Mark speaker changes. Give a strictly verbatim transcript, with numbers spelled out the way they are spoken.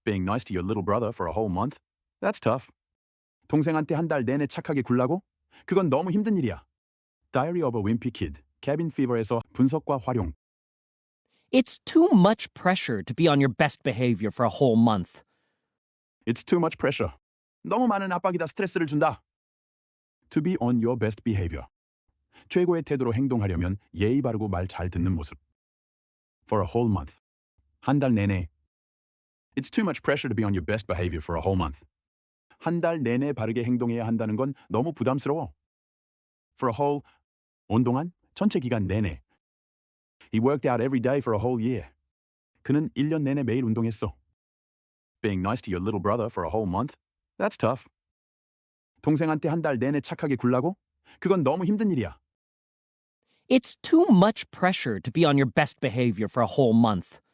Speaker 1: Being nice to your little brother for a whole month? That's tough. 동생한테 한 달 내내 착하게 굴라고? 그건 너무 힘든 일이야. Diary of a Wimpy Kid, Cabin Fever에서 분석과 활용.
Speaker 2: It's too much pressure to be on your best behavior for a whole month.
Speaker 1: It's too much pressure. 너무 많은 압박이다. 스트레스를 준다. To be on your best behavior. 최고의 태도로 행동하려면 예의 바르고 말 잘 듣는 모습. For a whole month. 한 달 내내. It's too much pressure to be on your best behavior for a whole month. 한 달 내내 바르게 행동해야 한다는 건 너무 부담스러워. For a whole, 온동안, 전체 기간 내내. He worked out every day for a whole year. 그는 일 년 내내 매일 운동했어. Being nice to your little brother for a whole month? That's tough. 동생한테 한 달 내내 착하게 굴라고? 그건 너무 힘든 일이야.
Speaker 2: It's too much pressure to be on your best behavior for a whole month.